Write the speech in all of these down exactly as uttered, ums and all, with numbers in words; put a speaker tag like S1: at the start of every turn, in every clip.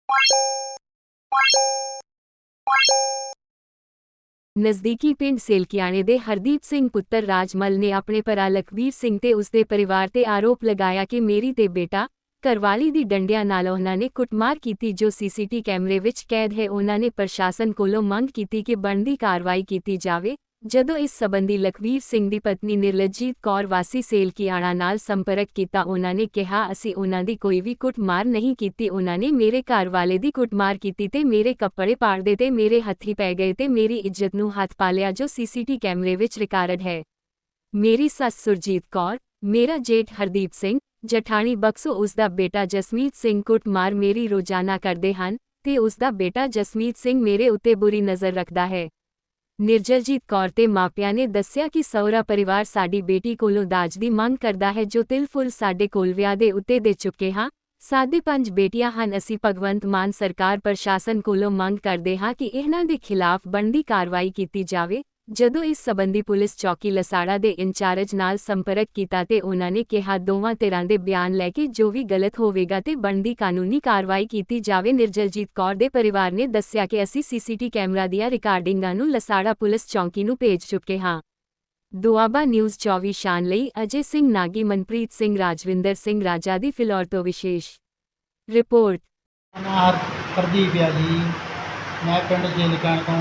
S1: ਨਜ਼ਦੀਕੀ ਪਿੰਡ ਸੇਲਕਿਆਣੇ ਦੇ ਹਰਦੀਪ ਸਿੰਘ ਪੁੱਤਰ ਰਾਜਮਲ ਨੇ ਆਪਣੇ ਭਰਾ ਲਖਵੀਰ ਸਿੰਘ ਤੇ ਉਸਦੇ ਪਰਿਵਾਰ ਤੇ ਆਰੋਪ ਲਗਾਇਆ ਕਿ ਮੇਰੀ ਤੇ ਬੇਟਾ ਘਰਵਾਲੀ ਦੀ ਡੰਡਿਆਂ ਨਾਲ ਉਹਨਾਂ ਨੇ ਕੁੱਟਮਾਰ ਕੀਤੀ, ਜੋ ਸੀਸੀਟੀ ਕੈਮਰੇ ਵਿੱਚ ਕੈਦ ਹੈ। ਉਹਨਾਂ ਨੇ ਪ੍ਰਸ਼ਾਸਨ ਕੋਲੋਂ ਮੰਗ ਕੀਤੀ ਕਿ ਬਣਦੀ ਕਾਰਵਾਈ ਕੀਤੀ ਜਾਵੇ। ਜਦੋਂ ਇਸ ਸਬੰਧੀ ਲਖਵੀਰ ਸਿੰਘ ਦੀ ਪਤਨੀ ਨਿਰਲਜੀਤ ਕੌਰ ਵਾਸੀ ਸੇਲਕਿਆਣਾ ਨਾਲ ਸੰਪਰਕ ਕੀਤਾ, ਉਹਨਾਂ ਨੇ ਕਿਹਾ, ਅਸੀਂ ਉਹਨਾਂ ਦੀ ਕੋਈ ਵੀ ਕੁੱਟਮਾਰ ਨਹੀਂ ਕੀਤੀ। ਉਹਨਾਂ ਨੇ ਮੇਰੇ ਘਰ ਵਾਲੇ ਦੀ ਕੁੱਟਮਾਰ ਕੀਤੀ ਤੇ ਮੇਰੇ ਕੱਪੜੇ ਪਾੜਦੇ ਤੇ ਮੇਰੇ ਹੱਥੀਂ ਪੈ ਗਏ ਤੇ ਮੇਰੀ ਇੱਜ਼ਤ ਨੂੰ ਹੱਥ ਪਾ ਲਿਆ, ਜੋ ਸੀਸੀਟੀ ਕੈਮਰੇ ਵਿੱਚ ਰਿਕਾਰਡ ਹੈ। ਮੇਰੀ ਸੱਸ ਸੁਰਜੀਤ ਕੌਰ, ਮੇਰਾ ਜੇਠ ਹਰਦੀਪ ਸਿੰਘ, ਜਠਾਣੀ ਬਕਸੋ, ਉਸਦਾ ਬੇਟਾ ਜਸਮੀਤ ਸਿੰਘ ਕੁੱਟਮਾਰ ਮੇਰੀ ਰੋਜ਼ਾਨਾ ਕਰਦੇ ਹਨ ਤੇ ਉਸਦਾ ਬੇਟਾ ਜਸਮੀਤ ਸਿੰਘ ਮੇਰੇ ਉੱਤੇ ਬੁਰੀ ਨਜ਼ਰ ਰੱਖਦਾ ਹੈ। ਨਿਰਜਲਜੀਤ ਕੌਰ ਤੇ ਮਾਪਿਆਂ ਨੇ ਦੱਸਿਆ ਕਿ ਸਹੁਰਾ ਪਰਿਵਾਰ ਸਾਡੀ ਬੇਟੀ ਕੋਲੋਂ ਦਾਜ ਦੀ ਮੰਗ ਕਰਦਾ ਹੈ, ਜੋ ਤਿਲ ਫੁੱਲ ਸਾਡੇ ਕੋਲ ਵਿਆਹ ਦੇ ਉੱਤੇ ਦੇ ਚੁੱਕੇ ਹਾਂ। ਸਾਡੇ ਪੰਜ ਬੇਟੀਆਂ ਹਨ। ਅਸੀਂ ਭਗਵੰਤ ਮਾਨ ਸਰਕਾਰ ਪ੍ਰਸ਼ਾਸਨ ਕੋਲੋਂ ਮੰਗ ਕਰਦੇ ਹਾਂ ਕਿ ਇਹਨਾਂ ਦੇ ਖਿਲਾਫ ਬਣਦੀ ਕਾਰਵਾਈ ਕੀਤੀ ਜਾਵੇ। ਜਦੋਂ ਇਸ ਸਬੰਧੀ ਪੁਲਿਸ ਚੌਕੀ ਲਸਾੜਾ ਦੇ ਇੰਚਾਰਜ ਨਾਲ ਸੰਪਰਕ ਕੀਤਾ ਤੇ ਉਹਨਾਂ ਨੇ ਕਿਹਾ, ਦੋਵਾਂ ਧਿਰਾਂ ਦੇ ਬਿਆਨ ਲੈ ਕੇ ਜੋ ਵੀ ਗਲਤ ਹੋਵੇਗਾ ਤੇ ਬਣਦੀ ਕਾਨੂੰਨੀ ਕਾਰਵਾਈ ਕੀਤੀ ਜਾਵੇ। ਨਿਰਜਲਜੀਤ ਕੌਰ ਦੇ ਪਰਿਵਾਰ ਨੇ ਦੱਸਿਆ ਕਿ ਅਸੀਂ ਸੀਸੀਟੀ ਕੈਮਰਾ ਦੀਆਂ ਰਿਕਾਰਡਿੰਗਾਂ ਨੂੰ ਲਸਾੜਾ ਪੁਲਿਸ ਚੌਕੀ ਨੂੰ ਭੇਜ ਚੁੱਕੇ ਹਾਂ। ਦੁਆਬਾ ਨਿਊਜ਼ ਚੌਵੀ ਸ਼ਾਨ ਲਈ ਅਜੇ ਸਿੰਘ ਨਾਗੀ, ਮਨਪ੍ਰੀਤ ਸਿੰਘ, ਰਾਜਵਿੰਦਰ ਸਿੰਘ ਰਾਜਾ ਦੀ ਫਿਲੌਰ ਤੋਂ ਵਿਸ਼ੇਸ਼ ਰਿਪੋਰਟ।
S2: ਨਾਮ ਪ੍ਰਦੀਪ ਆ ਜੀ, ਮੈਂ ਪਿੰਡ ਸੇਲਕਿਆਣੇ ਤੋਂ।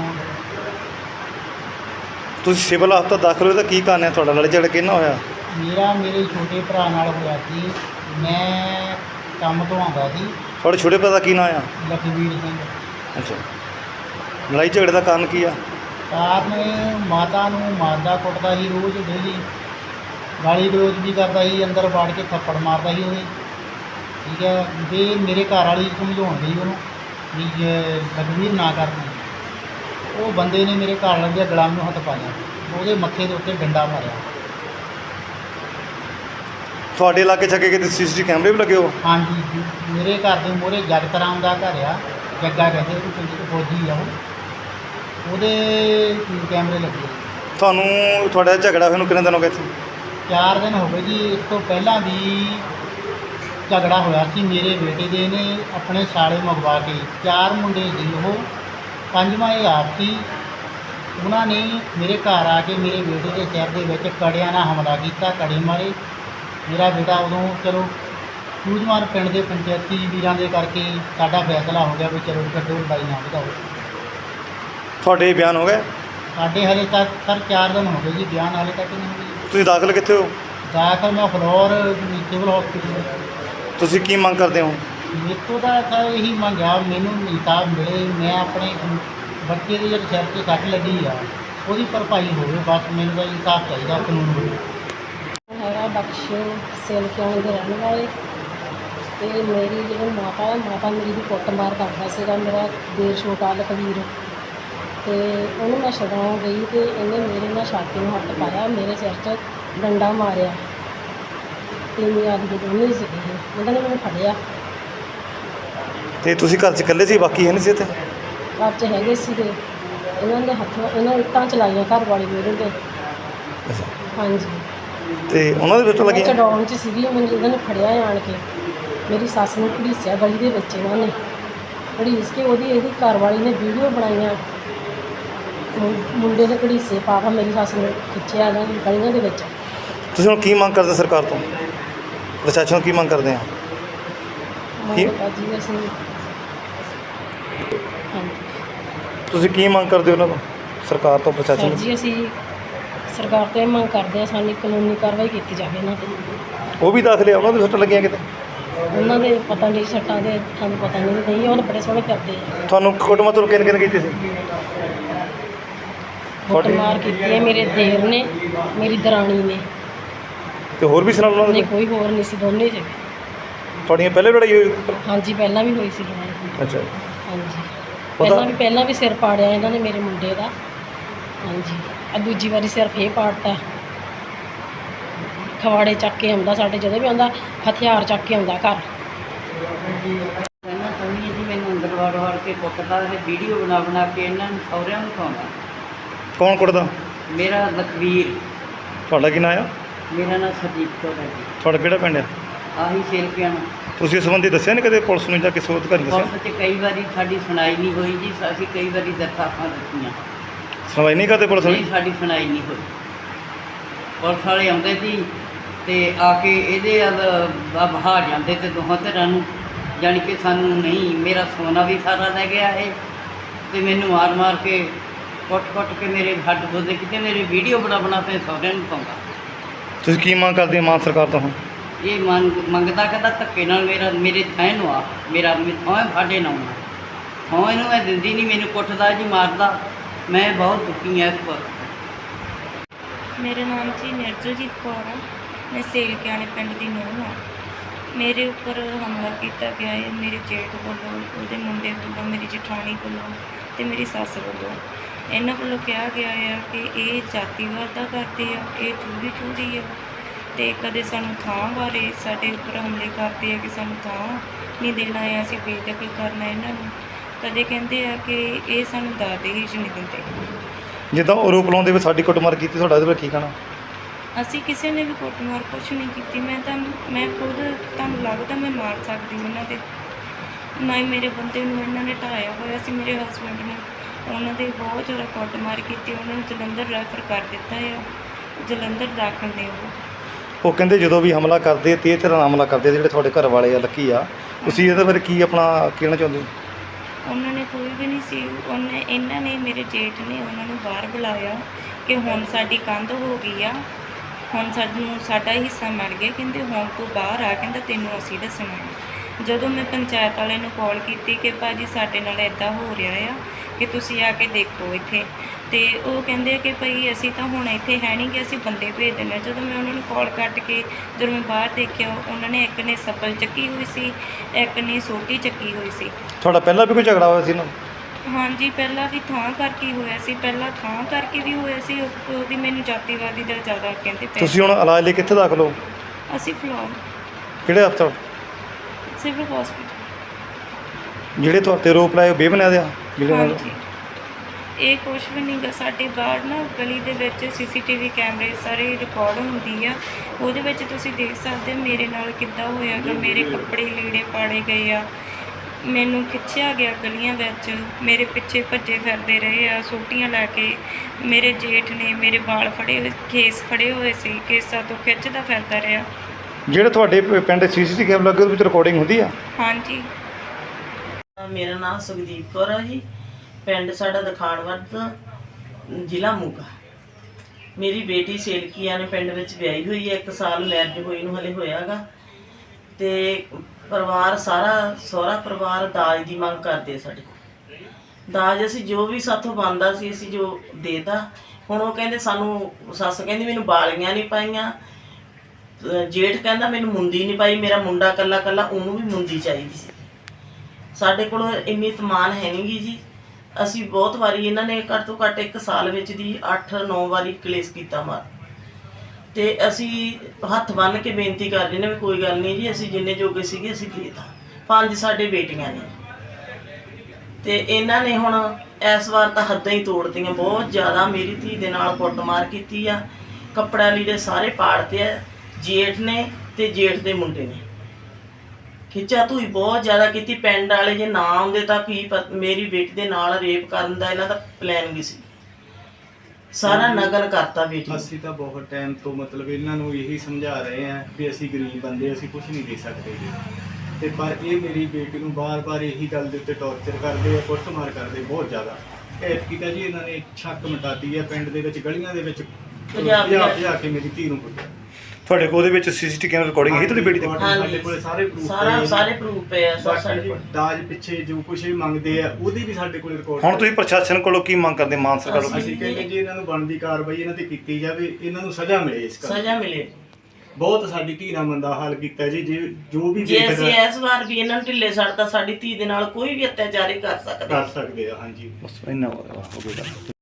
S3: ਤੁਸੀਂ ਸਿਵਲ ਹਸਪਤਾਲ ਦਾਖਲ ਹੋਏ ਤਾਂ ਕੀ ਕਾਰਨ ਹੈ ਤੁਹਾਡਾ? ਲੜ ਝਗੜਾ ਕਿਹਨਾਂ ਹੋਇਆ?
S2: ਮੇਰਾ ਮੇਰੇ ਛੋਟੇ ਭਰਾ ਨਾਲ ਹੋਇਆ ਸੀ। ਮੈਂ ਕੰਮ ਤੋਂ ਆਉਂਦਾ ਸੀ।
S3: ਤੁਹਾਡੇ ਛੋਟੇ ਭਰਾ ਦਾ ਕੀ ਨਾਂ ਆ?
S2: ਲਖਵੀਰ ਸਿੰਘ।
S3: ਅੱਛਾ, ਲੜਾਈ ਝਗੜੇ ਦਾ ਕਾਰਨ ਕੀ ਆ?
S2: ਕਾਰਨ ਮਾਤਾ ਨੂੰ ਮਾਰਦਾ ਕੁੱਟਦਾ ਸੀ, ਰੋਜ਼ ਡੇਲੀ ਗਾਲੀ ਗਲੋਚ ਵੀ ਕਰਦਾ ਸੀ, ਅੰਦਰ ਵੜ ਕੇ ਥੱਪੜ ਮਾਰਦਾ ਸੀ ਉਹਦੇ। ਠੀਕ ਹੈ, ਅਤੇ ਮੇਰੇ ਘਰ ਵਾਲੀ ਸਮਝਾਉਣ ਗਈ ਉਹਨੂੰ ਵੀ ਲਖਵੀਰ ਨਾ ਕਰਦੀ। ਉਹ ਬੰਦੇ ਨੇ ਮੇਰੇ ਘਰ ਵਾਲੇ ਦੇ ਗਲਾਂ ਨੂੰ ਹੱਥ ਪਾਇਆ, ਉਹਦੇ ਮੱਥੇ ਦੇ ਉੱਤੇ ਡੰਡਾ ਮਾਰਿਆ।
S3: ਤੁਹਾਡੇ ਇਲਾਕੇ 'ਚ ਅੱਗੇ ਕਿਤੇ ਸੀਸੀਟੀ ਕੈਮਰੇ ਵੀ ਲੱਗੇ ਹੋ?
S2: ਹਾਂਜੀ ਜੀ, ਮੇਰੇ ਘਰ ਦੇ ਮੂਹਰੇ ਜਗਤ ਰਾਮ ਦਾ ਘਰ ਆ, ਜੱਗਾ ਕਹਿੰਦੇ ਉਹਨੂੰ, ਪਿੰਡ ਫੌਜੀ ਆ ਉਹ, ਉਹਦੇ ਕੈਮਰੇ ਲੱਗੇ।
S3: ਤੁਹਾਨੂੰ ਤੁਹਾਡਾ ਝਗੜਾ ਹੋਇਆ ਨੂੰ ਕਿੰਨੇ ਦਿਨ ਹੋ ਗਏ ਇੱਥੇ?
S2: ਚਾਰ ਦਿਨ ਹੋ ਗਏ ਜੀ। ਇਸ ਤੋਂ ਪਹਿਲਾਂ ਵੀ ਝਗੜਾ ਹੋਇਆ ਸੀ। ਮੇਰੇ ਬੇਟੇ ਦੇ ਨੇ ਆਪਣੇ ਸਾਲੇ ਮੰਗਵਾ ਕੇ, ਚਾਰ ਮੁੰਡੇ ਸੀ ਉਹ, ਪੰਜਵਾਂ ਇਹ ਆਪ ਸੀ। ਉਹਨਾਂ ਨੇ ਮੇਰੇ ਘਰ ਆ ਕੇ ਮੇਰੇ ਬੇਟੇ ਦੇ ਸਿਰ ਦੇ ਵਿੱਚ ਕੜਿਆਂ ਨਾਲ ਹਮਲਾ ਕੀਤਾ, ਕੜੇ ਮਾਰੇ। ਮੇਰਾ ਬੇਟਾ ਉਦੋਂ ਚਲੋ ਸੂਝਵਾਨ ਪਿੰਡ ਦੇ ਪੰਚਾਇਤੀ ਵੀਰਾਂ ਦੇ ਕਰਕੇ ਸਾਡਾ ਫੈਸਲਾ ਹੋ ਗਿਆ ਵੀ ਚਲੋ ਕੱਢੋ, ਲੜਾਈ ਨਾ ਵਧਾਓ।
S3: ਤੁਹਾਡੇ ਬਿਆਨ ਹੋ ਗਏ?
S2: ਸਾਡੇ ਹਾਲੇ ਤੱਕ ਸਰ ਚਾਰ ਦਿਨ ਹੋ ਗਏ ਜੀ, ਬਿਆਨ ਹਾਲੇ ਤੱਕ ਨਹੀਂ ਹੋਏ।
S3: ਤੁਸੀਂ ਦਾਖਲ ਕਿੱਥੇ ਹੋ?
S2: ਦਾਖਲ ਮੈਂ ਫਲੋਰ ਸਿਵਲ ਹਸਪੀਟਲ।
S3: ਤੁਸੀਂ ਕੀ ਮੰਗ ਕਰਦੇ ਹੋ?
S2: ਮੇਰੇ ਤੋਂ ਤਾਂ ਤਾਂ ਇਹੀ ਮੰਗਿਆ, ਮੈਨੂੰ ਇਨਸਾਫ ਮਿਲੇ। ਮੈਂ ਆਪਣੇ ਬੱਚੇ ਦੇ ਜਿਹੜੇ ਸਿਰ 'ਤੇ ਸੱਟ ਲੱਗੀ ਆ, ਉਹਦੀ ਭਰਪਾਈ ਹੋਵੇ, ਬਸ ਮੈਨੂੰ ਤਾਂ ਇਨਸਾਫ ਚਾਹੀਦਾ, ਕਾਨੂੰਨ ਹੋਵੇ।
S4: ਹੈਗਾ ਬਖਸ਼ ਸੇਲਕਿਆਣੇ ਦੇ ਰਹਿਣ ਵਾਲੇ, ਅਤੇ ਮੇਰੀ ਜਿਹੜੀ ਮਾਤਾ ਹੈ, ਮਾਤਾ ਮੇਰੀ ਦੀ ਕੁੱਟਮਾਰ ਕਰਦਾ ਸੀਗਾ ਮੇਰਾ ਦੇਰ ਛੋਟਾ ਲਖਵੀਰ, ਅਤੇ ਉਹਨੂੰ ਮੈਂ ਛਡਾਉਣ ਗਈ ਅਤੇ ਇਹਨੇ ਮੇਰੇ ਨਾਲ ਛਾਤੀ ਨੂੰ ਹੱਥ ਪਾਇਆ, ਮੇਰੇ ਸਿਰ 'ਚ ਡੰਡਾ ਮਾਰਿਆ। ਤਿੰਨ ਆਦਮੀ ਦੋਨੇ ਸੀਗੇ, ਇਹਨਾਂ ਨੇ ਮੈਨੂੰ ਫੜਿਆ।
S3: ਤੇ ਤੁਸੀਂ ਘਰ 'ਚ ਇਕੱਲੇ ਸੀ, ਬਾਕੀ ਹੈ ਨਹੀਂ ਸੀ ਇੱਥੇ?
S4: ਘਰ 'ਚ ਹੈਗੇ ਸੀਗੇ, ਇਹਨਾਂ ਦੇ ਹੱਥੋਂ ਇਹਨਾਂ ਇੱਟਾਂ ਚਲਾਈਆਂ ਘਰ ਵਾਲੀ ਮੇਰੇ 'ਤੇ। ਹਾਂਜੀ,
S3: ਤੇ ਉਹਨਾਂ ਦੇ ਵਿੱਚ ਲੱਗੀਆਂ?
S4: ਚੜਾਉਣ 'ਚ ਸੀਗੀ, ਮੈਨੂੰ ਇਹਨਾਂ ਨੇ ਫੜਿਆ ਆਣ ਕੇ, ਮੇਰੀ ਸੱਸ ਨੂੰ ਘੜੀਸਿਆ ਗਲੀ ਦੇ ਵਿੱਚ। ਇਹਨਾਂ ਨੇ ਘੜੀਸ ਕੇ ਉਹਦੀ ਇਹਦੀ ਘਰ ਵਾਲੀ ਨੇ ਵੀਡੀਓ ਬਣਾਈਆਂ, ਮੁੰਡੇ ਦੇ ਘੜੀਸੇ ਪਾ ਕੇ ਮੇਰੀ ਸੱਸ ਨੂੰ ਖਿੱਚਿਆ ਇਹਨਾਂ ਨੇ ਗਲੀਆਂ ਦੇ ਵਿੱਚ।
S3: ਤੁਸੀਂ ਹੁਣ ਕੀ ਮੰਗ ਕਰਦੇ ਸਰਕਾਰ ਤੋਂ, ਪ੍ਰਸ਼ਾਸਨ ਕੀ ਮੰਗ ਕਰਦੇ ਆ? ਕੀ
S4: ਜੀ ਅਸੀਂ ਹਾਂਜੀ
S3: ਤੁਸੀਂ ਕੀ ਮੰਗ ਕਰਦੇ ਹੋ ਉਹਨਾਂ ਤੋਂ, ਸਰਕਾਰ ਤੋਂ, ਪ੍ਰਸ਼ਾਸਨ ਤੋਂ?
S4: ਜੀ ਅਸੀਂ ਸਰਕਾਰ ਤੋਂ ਇਹ ਮੰਗ ਕਰਦੇ ਹਾਂ, ਸਾਡੀ ਕਾਨੂੰਨੀ ਕਾਰਵਾਈ ਕੀਤੀ ਜਾਵੇ ਇਹਨਾਂ 'ਤੇ।
S3: ਉਹ ਵੀ ਦਾਖਲੇ ਆ, ਉਹਨਾਂ ਦੇ ਸੱਟ ਲੱਗੀਆਂ ਕਿਤੇ?
S4: ਉਹਨਾਂ ਦੇ ਪਤਾ ਨਹੀਂ ਸੱਟਾਂ ਦੇ, ਸਾਨੂੰ ਪਤਾ ਨਹੀਂ ਨਹੀਂ, ਉਹ ਤਾਂ ਬੜੇ ਸੋਹਣੇ ਕਰਦੇ ਆ।
S3: ਤੁਹਾਨੂੰ ਕੁੱਟਮਾਰ ਤੋਂ ਕਿੰਨ ਕਿੰਨ ਕੀਤੀ ਸੀ?
S4: ਕੁੱਟਮਾਰ ਕੀਤੀ ਹੈ ਮੇਰੇ ਦੇਰ ਨੇ, ਮੇਰੀ ਦਰਾਣੀ ਨੇ,
S3: ਤੇ ਹੋਰ ਵੀ ਸੁਣਾ ਉਹਨਾਂ
S4: ਨਹੀਂ
S3: ਦੇ?
S4: ਕੋਈ ਹੋਰ ਨਹੀਂ ਸੀ, ਦੋਨੇ ਜੀ।
S3: ਤੁਹਾਡੀਆਂ ਪਹਿਲੇ ਲੜਾਈ ਹੋਈ?
S4: ਹਾਂਜੀ, ਪਹਿਲਾਂ ਵੀ ਹੋਈ ਸੀ ਲੜਾਈ।
S3: ਅੱਛਾ,
S4: ਹਾਂਜੀ, ਪਹਿਲਾਂ ਵੀ ਪਹਿਲਾਂ ਵੀ ਸਿਰ ਪਾੜਿਆ ਇਹਨਾਂ ਨੇ ਮੇਰੇ ਮੁੰਡੇ ਦਾ। ਹਾਂਜੀ, ਆ ਦੂਜੀ ਵਾਰੀ ਸਿਰ ਫੇਰ ਪਾੜਤਾ। ਖਵਾੜੇ ਚੱਕ ਕੇ ਆਉਂਦਾ ਸਾਡੇ, ਜਦੋਂ ਵੀ ਆਉਂਦਾ ਹਥਿਆਰ ਚੱਕ ਕੇ ਆਉਂਦਾ ਘਰ।
S5: ਪਹਿਲਾਂ ਤਾਂ ਵੀ ਜੀ ਮੈਨੂੰ ਅੰਦਰ ਵੜ ਵੜ ਕੇ ਕੁੱਟਦਾ ਹੈ, ਵੀਡੀਓ ਬਣਾ ਬਣਾ ਕੇ ਇਹਨਾਂ ਨੂੰ ਸਹੁਰਿਆਂ ਨੂੰ ਪਾਉਂਦਾ।
S3: ਕੌਣ ਕੁੱਟਦਾ?
S5: ਮੇਰਾ ਲਖਵੀਰ।
S3: ਤੁਹਾਡਾ ਕੀ ਨਾਂ ਆ?
S5: ਮੇਰਾ ਨਾਂ ਸਰਦੀਪ ਕੌਰ ਹੈ ਜੀ।
S3: ਤੁਹਾਡਾ ਕਿਹੜਾ ਪਿੰਡ ਆ?
S5: ਆਹੀ ਸੇਲਕਿਆਂ ਨੂੰ।
S3: ਤੁਸੀਂ ਇਸ ਸੰਬੰਧੀ ਦੱਸਿਆ ਨਹੀਂ ਕਦੇ ਪੁਲਿਸ ਨੂੰ ਜਾਂ ਕਿਸੇ ਹੋਰ ਅਧਿਕਾਰੀ ਨੂੰ ਦੱਸਿਆ?
S5: ਪੁਲਿਸ 'ਚ ਕਈ ਵਾਰੀ ਸਾਡੀ ਸੁਣਾਈ ਨਹੀਂ ਹੋਈ ਜੀ, ਅਸੀਂ ਕਈ ਵਾਰੀ ਦਰਖਾਸਤਾਂ ਦਿੱਤੀਆਂ,
S3: ਸੁਣਵਾਈ ਨਹੀਂ ਕਰਦੇ ਪੁਲਿਸ ਵਾਲੇ?
S5: ਨਹੀਂ ਸਾਡੀ ਸੁਣਾਈ ਨਹੀਂ ਹੋਈ। ਪੁਲਿਸ ਵਾਲੇ ਆਉਂਦੇ ਸੀ ਤੇ ਆ ਕੇ ਇਹਦੇ ਵੱਲ ਬਹਾ ਜਾਂਦੇ ਤੇ ਦੋਹਾਂ ਧਿਰਾਂ ਨੂੰ, ਜਾਣੀ ਕਿ ਸਾਨੂੰ ਨਹੀਂ, ਮੇਰਾ ਸੋਨਾ ਵੀ ਸਾਰਾ ਲੈ ਗਿਆ ਇਹ, ਤੇ ਮੈਨੂੰ ਮਾਰ ਮਾਰ ਕੇ ਕੁੱਟ-ਕੁੱਟ ਕੇ ਮੇਰੇ ਹੱਡ ਬੋਲਦੇ, ਕਿਤੇ ਮੇਰੇ ਵੀਡੀਓ ਬਣਾ ਬਣਾ ਕੇ ਸਹੁਰਿਆਂ ਨੂੰ ਪਾਉਂਦਾ।
S3: ਤੁਸੀਂ ਕੀ ਮੰਗ ਕਰਦੇ ਹੋ ਮਾਨ ਸਰਕਾਰ ਤੋਂ ਹੁਣ?
S5: ਇਹ ਮੰਗ ਮੰਗਦਾ ਕਹਿੰਦਾ ਧੱਕੇ ਨਾਲ ਮੇਰਾ ਮੇਰੇ ਥੈਂ ਨੂੰ ਆ, ਮੇਰਾ ਥਾਂ ਫਾੜੇ ਨਾ ਆਉਣਾ, ਥਾਂ ਇਹਨੂੰ ਮੈਂ ਦਿੰਦੀ ਨਹੀਂ, ਮੈਨੂੰ ਕੁੱਟਦਾ ਜੀ, ਮਾਰਦਾ। ਮੈਂ ਬਹੁਤ ਦੁਖੀ ਹਾਂ ਇਸ ਵਕਤ।
S6: ਮੇਰਾ ਨਾਮ ਜੀ ਨਿਰਜੋਜੀਤ ਕੌਰ ਆ, ਮੈਂ ਸੇਲਕਿਆਣੇ ਪਿੰਡ ਦੀ ਨੂੰਹ ਆ। ਮੇਰੇ ਉੱਪਰ ਹਮਲਾ ਕੀਤਾ ਗਿਆ ਹੈ ਮੇਰੇ ਜੇਠ ਵੱਲੋਂ, ਉਹਦੇ ਮੁੰਡੇ ਵੱਲੋਂ, ਮੇਰੀ ਜਠਾਣੀ ਵੱਲੋਂ ਅਤੇ ਮੇਰੀ ਸੱਸ ਵੱਲੋਂ। ਇਹਨਾਂ ਵੱਲੋਂ ਕਿਹਾ ਗਿਆ ਆ ਕਿ ਇਹ ਜਾਤੀਵਾਦ ਦਾ ਕਰਦੇ ਆ, ਇਹ ਚੂੜੀ ਚੂੜੀ ਆ, ਅਤੇ ਕਦੇ ਸਾਨੂੰ ਥਾਂ ਬਾਰੇ ਸਾਡੇ ਉੱਪਰ ਹਮਲੇ ਕਰਦੇ ਆ ਕਿ ਸਾਨੂੰ ਥਾਂ ਨਹੀਂ ਦੇਣਾ ਹੈ, ਅਸੀਂ ਬੇਦਖਲ ਕਰਨਾ ਇਹਨਾਂ ਨੂੰ। ਕਦੇ ਕਹਿੰਦੇ ਆ ਕਿ ਇਹ ਸਾਨੂੰ ਦਾਜ ਦਹੇਜ ਨਹੀਂ ਦਿੰਦੇ।
S3: ਜਿੱਦਾਂ ਆਰੋਪ ਲਾਉਂਦੇ ਵੀ ਸਾਡੀ ਕੁੱਟਮਾਰ ਕੀਤੀ, ਤੁਹਾਡਾ ਇਹਦੇ ਬਾਰੇ ਕੀ ਕਹਿਣਾ?
S6: ਅਸੀਂ ਕਿਸੇ ਨੇ ਵੀ ਕੁੱਟਮਾਰ ਕੁਛ ਨਹੀਂ ਕੀਤੀ। ਮੈਂ ਤਾਂ ਮੈਂ ਖੁਦ ਤੁਹਾਨੂੰ ਲੱਗਦਾ ਮੈਂ ਮਾਰ ਸਕਦੀ ਉਹਨਾਂ ਦੇ, ਨਾ ਹੀ ਮੇਰੇ ਬੰਦੇ ਨੂੰ ਇਹਨਾਂ ਨੇ ਢਾਇਆ ਹੋਇਆ ਸੀ, ਮੇਰੇ ਹਸਬੈਂਡ ਨੇ। ਉਹਨਾਂ ਦੇ ਬਹੁਤ ਜ਼ਿਆਦਾ ਕੁੱਟਮਾਰ ਕੀਤੀ, ਉਹਨਾਂ ਨੂੰ ਜਲੰਧਰ ਰੈਫਰ ਕਰ ਦਿੱਤਾ ਆ, ਜਲੰਧਰ ਦਾਖਲ ਨੇ ਉਹ।
S3: ਉਹ ਕਹਿੰਦੇ ਜਦੋਂ ਵੀ ਹਮਲਾ ਕਰਦੇ ਤੇਜ਼ ਤਰ੍ਹਾਂ ਨਾਲ ਹਮਲਾ ਕਰਦੇ ਆ ਜਿਹੜੇ ਤੁਹਾਡੇ ਘਰ ਵਾਲੇ ਆ ਲੱਕੀ ਆ, ਤੁਸੀਂ ਇਹਦੇ ਬਾਰੇ ਕੀ ਆਪਣਾ ਕਹਿਣਾ ਚਾਹੁੰਦੇ ਹੋ?
S6: ਉਹਨਾਂ ਨੇ ਕੋਈ ਵੀ ਨਹੀਂ ਸੀ, ਉਹਨੇ ਇਹਨਾਂ ਨੇ ਮੇਰੇ ਜੇਠ ਨੇ ਉਹਨਾਂ ਨੂੰ ਬਾਹਰ ਬੁਲਾਇਆ ਕਿ ਹੁਣ ਸਾਡੀ ਕੰਧ ਹੋ ਗਈ ਆ, ਹੁਣ ਸਾਨੂੰ ਸਾਡਾ ਹਿੱਸਾ ਮਿਲ ਗਿਆ, ਕਹਿੰਦੇ ਹੁਣ ਤੂੰ ਬਾਹਰ ਆ, ਕਹਿੰਦਾ ਤੈਨੂੰ ਅਸੀਂ ਦੱਸਣਾ। ਜਦੋਂ ਮੈਂ ਪੰਚਾਇਤ ਵਾਲੇ ਨੂੰ ਕਾਲ ਕੀਤੀ ਕਿ ਭਾਜੀ ਸਾਡੇ ਨਾਲ ਇੱਦਾਂ ਹੋ ਰਿਹਾ ਆ ਕਿ ਤੁਸੀਂ ਆ ਕੇ ਦੇਖੋ ਇੱਥੇ, ਅਤੇ ਉਹ ਕਹਿੰਦੇ ਕਿ ਭਈ ਅਸੀਂ ਤਾਂ ਹੁਣ ਇੱਥੇ ਹੈ ਨਹੀਂ, ਕਿ ਅਸੀਂ ਬੰਦੇ ਭੇਜ ਦਿੰਦੇ ਹਾਂ। ਜਦੋਂ ਮੈਂ ਉਹਨਾਂ ਨੂੰ ਕਾਲ ਕੱਟ ਕੇ ਜਦੋਂ ਮੈਂ ਬਾਹਰ ਦੇਖਿਆ, ਉਹਨਾਂ ਨੇ ਇੱਕ ਨੇ ਸੱਬਲ ਚੱਕੀ ਹੋਈ ਸੀ, ਇੱਕ ਨੇ ਸੋਟੀ ਚੱਕੀ ਹੋਈ ਸੀ।
S3: ਤੁਹਾਡਾ ਪਹਿਲਾਂ ਵੀ ਕੋਈ ਝਗੜਾ ਹੋਇਆ ਸੀ ਇਹਨਾਂ?
S6: ਹਾਂਜੀ, ਪਹਿਲਾਂ ਵੀ ਥਾਂ ਕਰਕੇ ਹੋਇਆ ਸੀ, ਪਹਿਲਾਂ ਥਾਂ ਕਰਕੇ ਵੀ ਹੋਇਆ ਸੀ। ਉਹ- ਉਹਦੀ ਮੈਨੂੰ ਜਾਤੀਵਾਦੀ ਦਾ ਜ਼ਿਆਦਾ ਕਹਿੰਦੇ ਪਏ।
S3: ਤੁਸੀਂ ਹੁਣ ਇਲਾਜ ਲਈ ਕਿੱਥੇ ਦਾਖਲ ਹੋ?
S6: ਅਸੀਂ ਫਲੋਰ
S3: ਕਿਹੜੇ ਹਸਪਤਾਲ?
S6: Civil hospital.
S3: ਜਿਹੜੇ ਤੁਹਾਡੇ ਤੇ ਆਰੋਪ ਲਾਏ ਉਹ ਬੇਬੁਨਿਆਦ ਆ? ਜਿਹੜੇ ਨਾਲ
S6: ਹਾਂਜੀ, ਇਹ ਕੁਛ ਵੀ ਨਹੀਂ ਗਾ। ਸਾਡੇ ਬਾਹਰ ਨਾ ਗਲੀ ਦੇ ਵਿੱਚ ਸੀਸੀਟੀਵੀ ਕੈਮਰੇ ਸਾਰੇ ਰਿਕਾਰਡ ਹੁੰਦੀ ਆ, ਉਹਦੇ ਵਿੱਚ ਤੁਸੀਂ ਦੇਖ ਸਕਦੇ ਹੋ ਮੇਰੇ ਨਾਲ ਕਿੱਦਾਂ ਹੋਇਆ ਗਾ। ਮੇਰੇ ਕੱਪੜੇ ਲੀੜੇ ਪਾੜੇ ਗਏ ਆ, ਮੈਨੂੰ ਖਿੱਚਿਆ ਗਿਆ ਗਲੀਆਂ ਵਿੱਚ, ਮੇਰੇ ਪਿੱਛੇ ਭੱਜੇ ਫਿਰਦੇ ਰਹੇ ਆ ਸੋਟੀਆਂ ਲੈ ਕੇ। ਮੇਰੇ ਜੇਠ ਨੇ ਮੇਰੇ ਵਾਲ ਫੜੇ ਹੋਏ, ਕੇਸ ਫੜੇ ਹੋਏ ਸੀ, ਕੇਸਾਂ ਤੋਂ ਖਿੱਚਦਾ ਫਿਰਦਾ ਰਿਹਾ।
S3: ਜਿਹੜੇ ਤੁਹਾਡੇ ਪ- ਪਿੰਡ ਸੀਸੀਟੀਵੀ ਕੈਮਰਾ ਲੱਗੇ ਉਹਦੇ ਵਿੱਚ ਰਿਕਾਰਡਿੰਗ ਹੁੰਦੀ ਆ?
S6: ਹਾਂਜੀ।
S7: ਮੇਰਾ ਨਾਮ ਸੁਖਦੀਪ ਕੌਰ ਹੈ ਜੀ, ਪਿੰਡ ਸਾਡਾ ਦਖਾਣਵਰਦ, ਜ਼ਿਲ੍ਹਾ ਮੋਗਾ। ਮੇਰੀ ਬੇਟੀ ਸੇਲਕੀਆਂ ਨੇ ਪਿੰਡ ਵਿੱਚ ਵਿਆਹੀ ਹੋਈ ਹੈ, ਇੱਕ ਸਾਲ ਮੈਰਿਜ ਹੋਈ ਨੂੰ ਹਲੇ ਹੋਇਆਗਾ, ਤੇ ਪਰਿਵਾਰ ਸਾਰਾ ਸਹੁਰਾ ਪਰਿਵਾਰ ਦਾਜ ਦੀ ਮੰਗ ਕਰਦੇ ਸਾਡੇ ਕੋਲ। ਦਾਜ ਅਸੀਂ ਜੋ ਵੀ ਸਾਥੋਂ ਬਣਦਾ ਸੀ ਅਸੀਂ ਜੋ ਦੇਤਾ। ਹੁਣ ਉਹ ਕਹਿੰਦੇ ਸਾਨੂੰ, ਸੱਸ ਕਹਿੰਦੀ ਮੈਨੂੰ ਬਾਲੀਆਂ ਨਹੀਂ ਪਾਈਆਂ, ਜੇਠ ਕਹਿੰਦਾ ਮੈਨੂੰ ਮੁੰਦੀ ਨਹੀਂ ਪਾਈ, ਮੇਰਾ ਮੁੰਡਾ ਕੱਲਾ ਕੱਲਾ ਉਹਨੂੰ ਵੀ ਮੁੰਦੀ ਚਾਹੀਦੀ ਸੀ। ਸਾਡੇ ਕੋਲ ਇੰਨੀ ਤਮਾਨ ਹੈ ਨਹੀਂ ਗੀ ਜੀ। ਅਸੀਂ ਬਹੁਤ ਵਾਰੀ ਇਹਨਾਂ ਨੇ ਘੱਟ ਤੋਂ ਘੱਟ ਇੱਕ ਸਾਲ ਵਿੱਚ ਦੀ ਅੱਠ ਨੌ ਵਾਰੀ ਕਲੇਸ਼ ਕੀਤਾ ਮਾਰ, ਤੇ ਅਸੀਂ ਹੱਥ ਬੰਨ੍ਹ ਕੇ ਬੇਨਤੀ ਕਰਦੇ ਨੇ ਵੀ ਕੋਈ ਗੱਲ ਨਹੀਂ ਜੀ, ਅਸੀਂ ਜਿੰਨੇ ਜੋਗੇ ਸੀਗੇ ਅਸੀਂ ਦੇਤਾ। ਪੰਜ ਸਾਡੇ ਬੇਟੀਆਂ ਨੇ, ਤੇ ਇਹਨਾਂ ਨੇ ਹੁਣ ਇਸ ਵਾਰ ਤਾਂ ਹੱਦਾਂ ਹੀ ਤੋੜਤੀਆਂ ਬਹੁਤ ਜ਼ਿਆਦਾ। ਮੇਰੀ ਧੀ ਦੇ ਨਾਲ ਕੁੱਟਮਾਰ ਕੀਤੀ ਆ, ਕੱਪੜਾ ਲੀੜੇ ਸਾਰੇ ਪਾੜਤੇ ਆ ਜੇਠ ਨੇ ਤੇ ਜੇਠ ਦੇ ਮੁੰਡੇ ਨੇ। ਖਿੱਚਾ ਧੂਈ ਬਹੁਤ ਜ਼ਿਆਦਾ ਕੀਤੀ। ਪਿੰਡ ਵਾਲੇ ਜੇ ਨਾ ਆਉਂਦੇ ਤਾਂ ਕੀ ਪਤ- ਮੇਰੀ ਬੇਟੀ ਦੇ ਨਾਲ ਰੇਪ ਕਰਨ ਦਾ ਇਹਨਾਂ ਦਾ ਪਲਾਨ ਵੀ ਸੀ। ਸਾਰਾ ਨਗਨ ਕਰਤਾ ਬੇਟੀ।
S8: ਅਸੀਂ ਤਾਂ ਬਹੁਤ ਟਾਈਮ ਤੋਂ ਮਤਲਬ ਇਹਨਾਂ ਨੂੰ ਇਹੀ ਸਮਝਾ ਰਹੇ ਹਾਂ ਵੀ ਅਸੀਂ ਗਰੀਬ ਬੰਦੇ, ਅਸੀਂ ਕੁਝ ਨਹੀਂ ਦੇ ਸਕਦੇ ਜੀ, ਤੇ ਪਰ ਇਹ ਮੇਰੀ ਬੇਟੀ ਨੂੰ ਬਾਰ-ਬਾਰ ਇਹੀ ਗੱਲ ਦੇ ਉੱਤੇ ਟੌਰਚਰ ਕਰਦੇ ਆ, ਕੁੱਟਮਾਰ ਕਰਦੇ ਬਹੁਤ ਜ਼ਿਆਦਾ। ਐਤਕੀ ਤਾਂ ਜੀ ਇਹਨਾਂ ਨੇ ਛੱਕ ਮਟਾਤੀ ਹੈ, ਪਿੰਡ ਦੇ ਵਿੱਚ ਗਲੀਆਂ ਦੇ ਵਿੱਚ
S7: ਭਜਾ ਭਜਾ
S8: ਭਜਾ ਕੇ ਮੇਰੀ ਧੀ ਨੂੰ ਕੁੱਟਿਆ।
S3: ਤੁਹਾਡੇ ਕੋਲ ਉਹਦੇ ਵਿੱਚ ਸੀਸੀਟੀਵੀ ਕੈਮਰਾ ਰਿਕਾਰਡਿੰਗ ਹੈ ਤੁਹਾਡੀ ਬੇਟੀ ਦੀ?
S8: ਸਾਡੇ ਕੋਲ ਸਾਰੇ ਪ੍ਰੂਫ
S7: ਸਾਰਾ ਸਾਰੇ ਪ੍ਰੂਫ ਪਏ ਆ ਸਰ ਸਾਡੇ ਕੋਲ।
S8: ਦਾਜ ਪਿੱਛੇ ਜੋ ਕੁਝ ਵੀ ਮੰਗਦੇ ਆ ਉਹਦੀ ਵੀ ਸਾਡੇ ਕੋਲ ਰਿਕਾਰਡ।
S3: ਹੁਣ ਤੁਸੀਂ ਪ੍ਰਸ਼ਾਸਨ ਕੋਲੋਂ ਕੀ ਮੰਗ ਕਰਦੇ ਮਾਨ ਸਰਕਾਰ ਕੋਲੋਂ?
S8: ਅਸੀਂ ਕਹਿੰਦੇ ਜੀ ਇਹਨਾਂ ਨੂੰ ਬਣਦੀ ਕਾਰਵਾਈ ਇਹਨਾਂ ਤੇ ਕੀਤੀ ਜਾਵੇ, ਇਹਨਾਂ ਨੂੰ ਸਜ਼ਾ ਮਿਲੇ ਇਸ ਕਰ।
S7: ਸਜ਼ਾ ਮਿਲੇ।
S8: ਬਹੁਤ ਸਾਡੀ ਧੀ ਦਾ ਮੰਦਾ ਹਾਲ ਕੀਤਾ ਜੀ। ਜੇ ਜੋ ਵੀ
S7: ਜੇ ਅਸੀਂ
S8: ਦੇਖਦਾ
S7: ਇਸ ਵਾਰ ਵੀ ਇਹਨਾਂ ਨੂੰ ਢਿੱਲੇ ਛੱਡਤਾ ਸਾਡੀ ਧੀ ਦੇ ਨਾਲ ਕੋਈ ਵੀ ਅਤਿਆਚਾਰ ਹੀ ਕਰ ਸਕਦਾ।
S8: ਕਰ ਸਕਦੇ ਆ। ਹਾਂਜੀ
S3: ਬਸ ਇੰਨਾ ਹੋ ਗਿਆ।